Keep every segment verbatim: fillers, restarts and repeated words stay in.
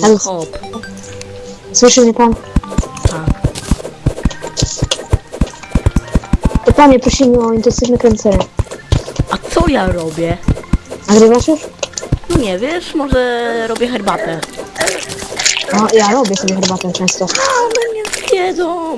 Ale- hop. Słyszy mnie pan? Tak. To panie, prosimy o intensywne kręcenie. A co ja robię? Nagrywasz już? No nie wiesz, może robię herbatę. No, ja robię sobie herbatę często. A one mnie zjedzą!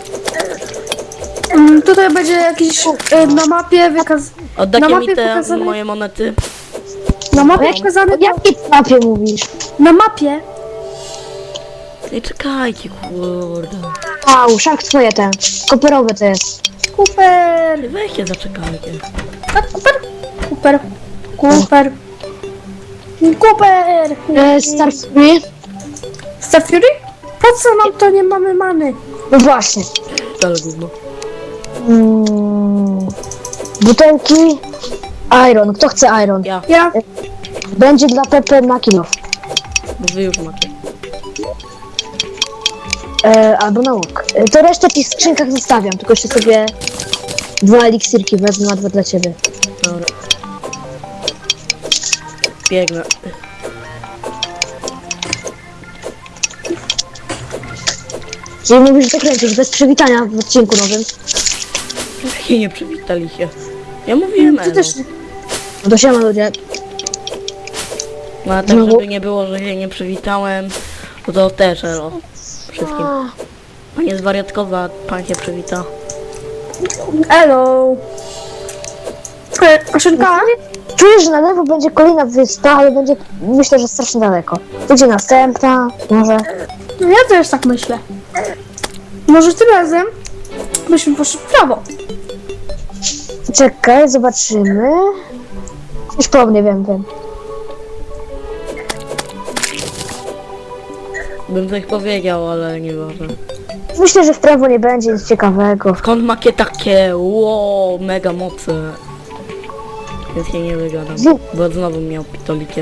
Mm, tutaj będzie jakiś y, na mapie wykaz... Oddajcie Na mi mapie te pokazane- moje monety. Na mapie Jak- pokazany... O jakiej mapie mówisz? Na mapie! Nie czekajcie, kurde. Au, szak twoje ten. Koperowe to jest. Kuper! Weźcie, zaczekajcie. Tak, Kuper! Kuper! Kuper! Kuper! E, Star Fury? Star Fury? Po co nam to, nie mamy many? No właśnie. Ale gówno. Mm, butelki. Iron. Kto chce iron? Ja, Ja... Będzie dla Pepe na kilo. bo wy już macie. E, albo na łuk. E, to resztę w tych skrzynkach zostawiam, tylko jeszcze sobie dwa eliksirki wezmę, a dwa dla ciebie. Dobra. Biegnę. Czyli mówisz, że to kręcisz bez przywitania w odcinku nowym. I nie przywitali się. Ja mówiłem, Ty Elo. też... No to siema ludzie. No a tak, No bo- żeby nie było, że się nie przywitałem, no to też Elo. Wszystkim. Panie zwariatkowa, pan się przywita. Elo! E, Aszynka? Czuję, że na lewo będzie kolejna wyspa, ale będzie, myślę, że strasznie daleko. Będzie następna, może. No ja też tak myślę. Może tym razem byśmy poszli w prawo. Czekaj, zobaczymy. Już po mnie wiem, wiem. Bym coś powiedział, ale nie ważne. Myślę, że w prawo nie będzie nic ciekawego. Skąd macie takie, wow, mega moce? Więc się nie wygadam, bo znowu miał pitolikie.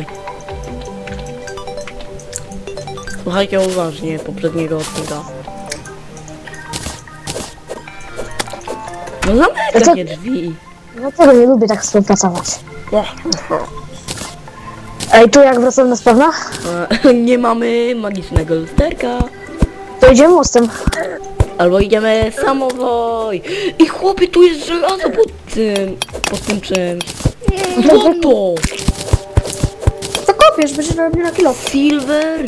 Słuchajcie uważnie poprzedniego odcinka. No zamykaj drzwi. No tego nie lubię tak współpracować. Ej, tu jak wracam na spawna? E, Nie mamy magicznego lusterka. To idziemy mostem. Albo idziemy samowoj. I chłopie, tu jest żelazo pod tym, pod tym czymś. Co to? Zakopiesz, będziesz miał mnie na kilo. Silver?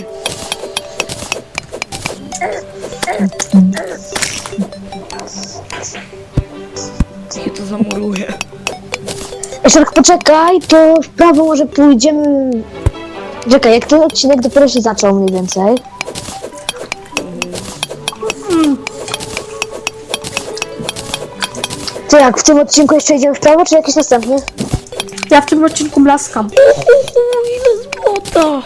Ja to zamuruję. Jeszcze tak poczekaj, to w prawo może pójdziemy... Czekaj, jak ten odcinek dopiero się zaczął mniej więcej. To jak, w tym odcinku jeszcze idziemy w prawo, czy jakiś następny? Ja w tym odcinku blaskam. Uhu, ile złota!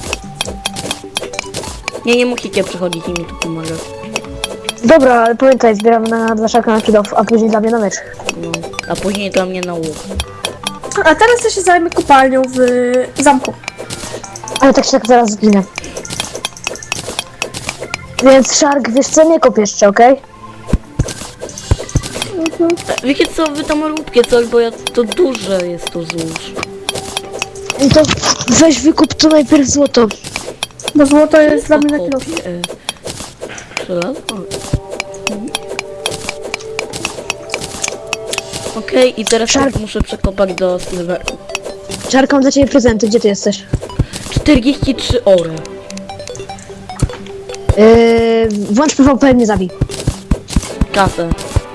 Nie, nie musicie przychodzić i mi tu pomagać. Dobra, ale pamiętaj, zbieramy na dla szaka na kilof, a później dla mnie na mecz. No, a później dla mnie na łuk. A teraz ja się zajmę kopalnią w zamku. Ale tak się tak zaraz zginę. Więc Shark, wiesz co, nie kop jeszcze, okej? E, Wiecie co, wy tam róbcie coś, bo ja to duże jest to złóż. No to weź wykup tu najpierw złoto. Bo złoto jest dla mnie na kilo. Kopię. Żelazo? Okej, i teraz Szarp. tak muszę przekopać do silveru. Shark, mam dla ciebie prezenty, gdzie ty jesteś? czterdzieści trzy ory. Yy, włącz P V P, mnie zabij. Kasę.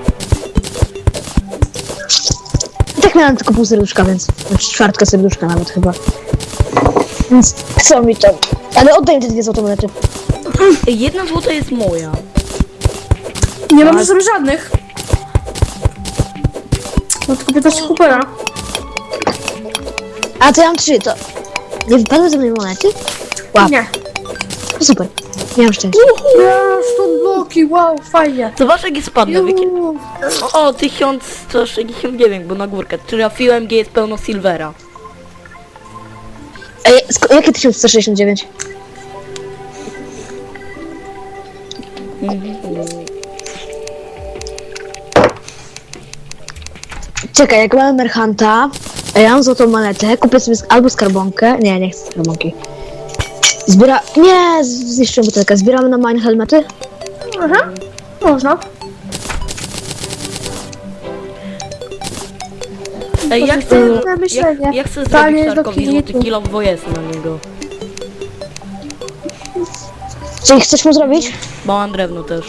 I tak miałem tylko pół serduszka, więc... Znaczy czwartka serduszka nawet chyba. Więc co mi to? Ale oddaj mi te dwie złote monety. Ej, jedna złota jest moja. Nie mam sobie żadnych. No tylko piętnaście kupera. A to ja mam trzy, to... Nie wypadły ze mnie monety? Wow, Nie. to super. Miałem szczęście. Ja, stąd bloki, wow, fajnie. Zobacz jak jest spadnę, wiecie? Juhu. O, tysiąc sto sześćdziesiąt dziewięć, bo na górkę. Trafiłem, gdzie jest pełno silvera. Ej, sko- jakie tysiąc sto sześćdziesiąt dziewięć? Czekaj, jak mamy Merchanta, a ja mam złotą monetę, kupię sobie sk- albo skarbonkę. Nie, nie chcę skarbonki. Zbiera... Nie, z- zniszczyłem butelkę. Zbieramy na mine helmety? Aha, można. Ej, ja chcę, Pozytywne ja, myślenie. ja chcę Panie zrobić do Szarkowi złoty klientów. kilo, bo jest na niego. Czyli chcesz mu zrobić? Bo mam drewno też.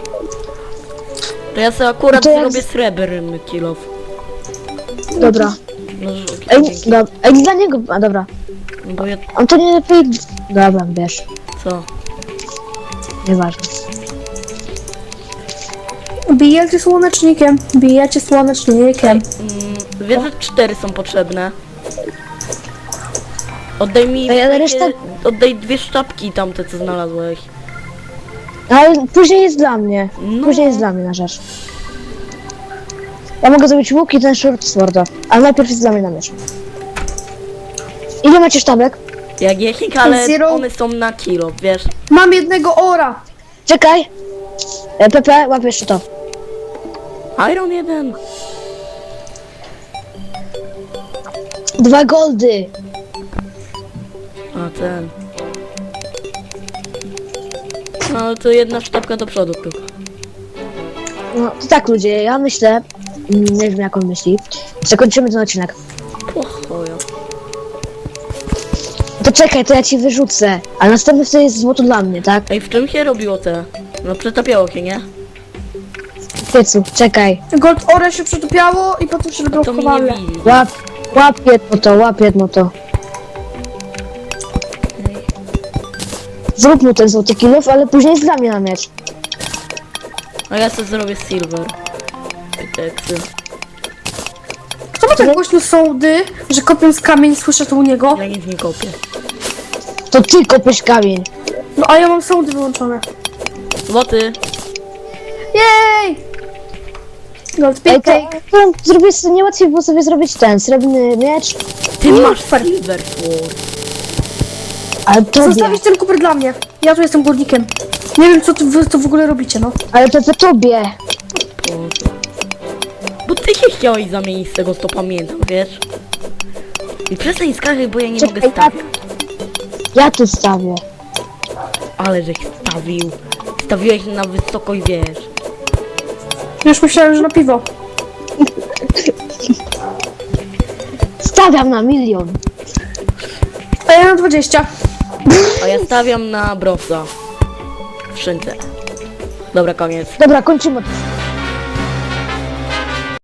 To ja sobie akurat No to jak zrobię z- srebrny kilo. Dobra. No, Ej, dzięki. do, ej, dla niego... A, dobra. No bo ja... On to nie lepiej... Dobra, wiesz. Co? Nieważne. Bijecie słonecznikiem. Bijecie słonecznikiem. Mm, wiesz, że cztery są potrzebne. Oddaj mi Ej, ale takie- reszta- Oddaj dwie sztabki tamte, co znalazłeś. Ale później jest dla mnie. No. Później jest dla mnie na rzecz. Ja mogę zrobić łuk i ten short sworda. Ale najpierw jest dla mnie na miecz. Ile macie sztabek? Jak jechik, ale Zero. one są na kilo, wiesz? Mam jednego ora. Czekaj! E, Pepe, łap jeszcze to. Iron jeden. Dwa goldy! A ten. No to jedna sztabka do przodu tylko. No to tak ludzie, ja myślę, mm, nie wiem jak on myśli, zakończymy ten odcinek. Pochojo. To czekaj, to ja ci wyrzucę, ale następny wtedy jest złoto dla mnie, tak? Ej, w czym się robiło te? No przetapiało się, nie? W piecu, czekaj. Gold ore się przytupiało i potem się To mi nie wyblokowało. widzi. Łap, łap jedno to, łap jedno to. Zrób mu ten złoty kilów, ale później jest dla mnie na miecz. A ja sobie zrobię silver. Teksy. Kto ma tak głośno sołdy, że kopiąc kamień słyszę to u niego? Ja nic nie kopię. To ty kopiesz kamień. No a ja mam sołdy wyłączone. Złoty. Jej! Gold Ej, pick. to, to zrobię sobie, nie łatwiej było sobie zrobić ten srebrny miecz, Ty masz silver sword. ale tobie, Zostawić ten kuper dla mnie. Ja tu jestem górnikiem. Nie wiem co tu wy to w ogóle robicie, no. ale Pepe tobie. Po co? Bo ty się chciałeś zamienić z tego, co pamiętam, wiesz? I przestań skakać, bo ja nie Czekaj, mogę stawić. Ja tu stawię. Ale żeś stawił. Stawiłeś na wysokość, wiesz. Już myślałem, że na piwo. Stawiam na milion. A ja na dwadzieścia. A ja stawiam na browsa. W szynce. Dobra, koniec. Dobra, kończymy.